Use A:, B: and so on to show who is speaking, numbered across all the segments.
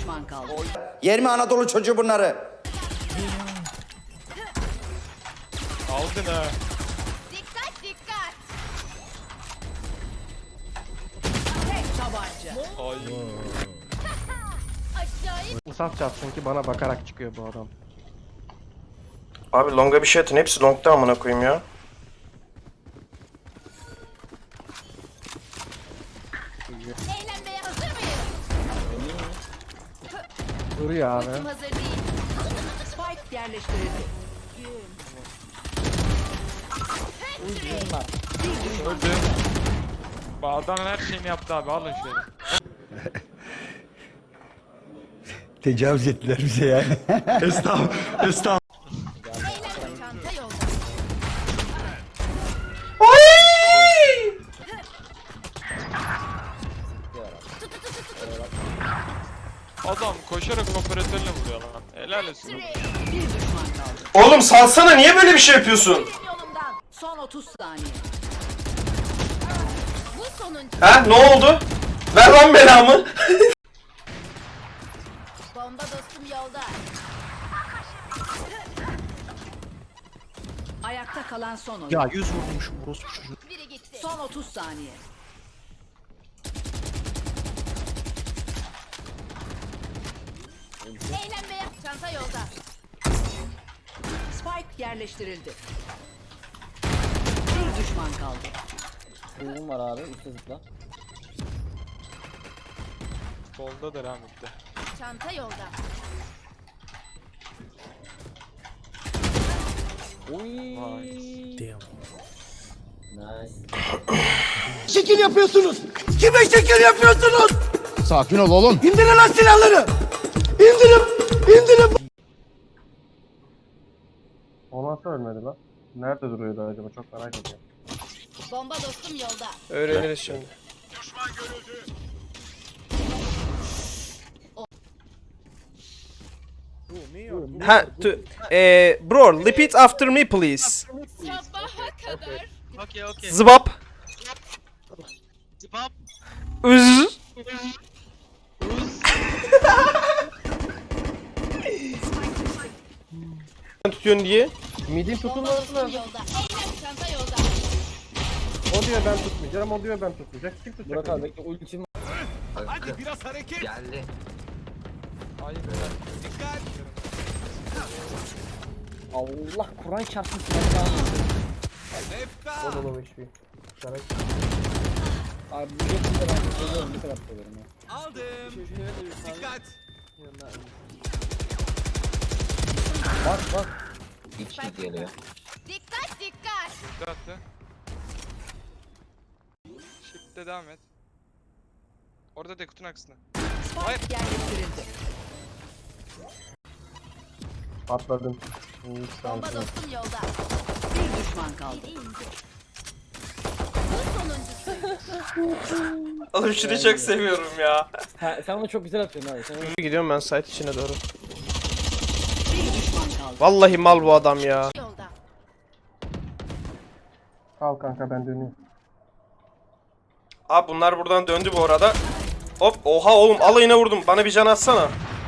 A: düşman kaldı.
B: Yer mi Anadolu çocuğu bunları?
C: Aldın ha.
D: Dikkat dikkat.
A: Tek tabanca.
C: Ay.
D: Acayip.
E: Uzak çatsın ki bana bakarak çıkıyor bu adam.
F: Abi longa bir şey atın. Hepsi longda amına koyayım ya.
D: Eğlenmeye hazır mıyız?
E: Duruyor abi.
D: Ultim hazır değil.
A: Spike yerleştirildi.
C: Öldü. Bak adam her şeyini yaptı abi. Alın şöyle.
B: Tecavüz ettiler bize yani.
D: Eğlenme çanta yolda.
C: Adam koşarak operatörle vuruyor lan. Helal olsun.
A: Bir düşman kaldı.
F: Oğlum salsana, niye böyle bir şey yapıyorsun?
D: Yolumdan.
A: Son 30 saniye.
D: Bu sonuncu.
F: Ha, ne oldu? Ver lan belamı.
D: Bomba dostum yolda.
A: Ayakta kalan son oyun.
E: Ya 100 vurmuşum orospu çocuğu.
D: Biri gitti.
A: Son 30 saniye.
D: Eğlenmeye çanta yolda.
A: Spike yerleştirildi. Bir düşman kaldı.
G: Uyum var abi, üstte zıpla.
C: Solda da rahmetli.
D: Çanta yolda.
G: Uy.
C: Vay.
G: Nice.
B: Şekil yapıyorsunuz. Kime şekil yapıyorsunuz? Sakin ol oğlum. İndirin lan silahları. İndirin.
E: O nasıl ölmedi lan? Nerede duruyordu acaba, çok merak ediyorum.
D: Bomba dostum yolda.
F: Öğreniriz şimdi. Ha, bro, repeat after me please.
D: Sabaha kadar.
C: Okay.
F: Zıbap.
C: Zıbap.
F: Üz. Tutuyorsun diye.
E: Midin
D: Bomba
E: tutulması
D: dostum
E: lazım.
D: yolda. Eğlen çanta yolda.
E: O diyor ben tutmayacağım, o diyor ben tutmayacak. Kim tutacak?
G: Burak abi bekle, ultim var.
C: Ay be.
G: Allah Kur'an çarpsın silahı.
E: Oğlum hiçbir. Şarek.
G: Abi bu jetin de ben seviyorum, ne kadar seviyorum ya.
H: Dikkat.
G: Bak.
D: Dikkat dikkat.
C: Dörtte. Shift'te devam et. Orada de kutunun aksına.
A: Spike yerleştirildi.
E: Atladım.
D: Bomba dostum yolda.
A: Bir düşman kaldı.
D: Biri indi. Bu sonuncusu.
F: Oğlum şunu çok seviyorum ya.
G: Ha, sen onu çok güzel atıyorsun abi. Sen onu...
F: Gidiyorum ben site içine doğru.
A: Bir düşman kaldı.
F: Vallahi mal bu adam ya.
D: Yolda.
E: Al kanka, ben dönüyorum.
F: Abi bunlar buradan döndü bu arada. Hop, oha oğlum, alayına vurdum. Bana bir can atsana.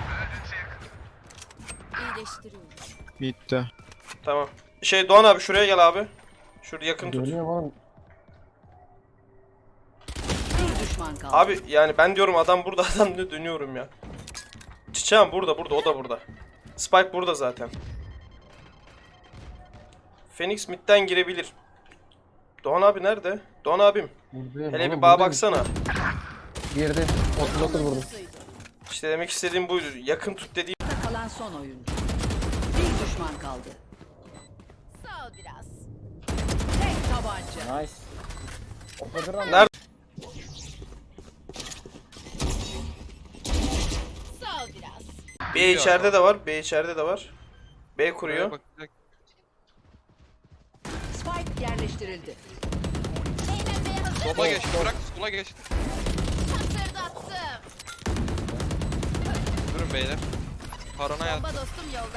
D: İyileştiriyorum.
C: Bitti.
F: Tamam. Doğan abi şuraya gel abi. Şurada yakın tut.
E: Dönüyorum oğlum.
A: Bir düşman kaldı.
F: Abi yani ben diyorum adam burada, adam da dönüyorum ya. Çiçeğim burada, o da burada. Spike burada zaten. Phoenix midden girebilir. Doğan abi nerede? Doğan abim.
E: Buradayım.
F: Hele
E: oğlum,
F: bir bağa
E: buradayım.
F: baksana.
E: Girdi. 39 vurdum.
F: İşte demek istediğim buydu. Yakın tut dediğim.
A: Ayakta kalan son oyuncu. Bir düşman kaldı.
D: Sağ ol biraz.
A: Tek tabanca.
G: Nice. Operatörden
F: Nerede?
D: Sağ ol biraz.
F: B içeride de var. B kuruyor.
C: Bakacak.
A: Spike yerleştirildi.
D: Eğlenmeye hazır.
C: Sola geçti. Bırak sola geçti.
D: Hatırdattım.
C: Durun beyler. Parona yat.
D: Bomba dostum yolda.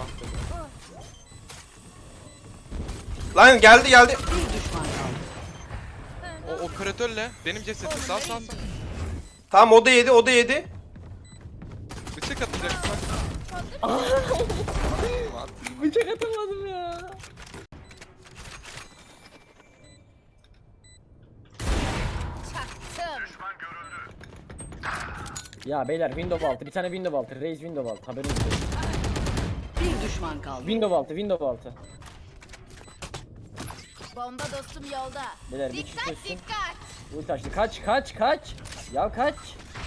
F: Lan geldi.
A: Bir düşman kaldı.
C: O operatörle benim cesetim sağ.
F: Tamam, o da yedi.
H: bıçak atacaksın bak.
G: Bıçak atamadım ya.
D: Çaktım.
G: Ya beyler window altı. Bir tane window altı. Raze window altı. Haberiniz olsun.
A: Bir düşman kaldı.
G: Window altı. Window altı.
D: Bomba dostum yolda.
G: Beyler bir
D: Dikkat
G: çıkıyorsun.
D: dikkat.
G: Ulti açtı. Kaç. Ya kaç.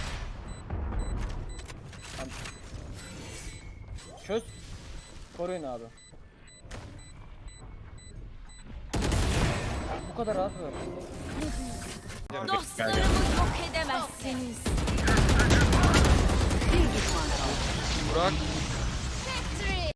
G: Tamam. Çöz. Koruyun abi. Bu kadar rahat mı?
D: Dostlarımı yok edemezsiniz.
A: Bir düşman kaldı.
C: Burak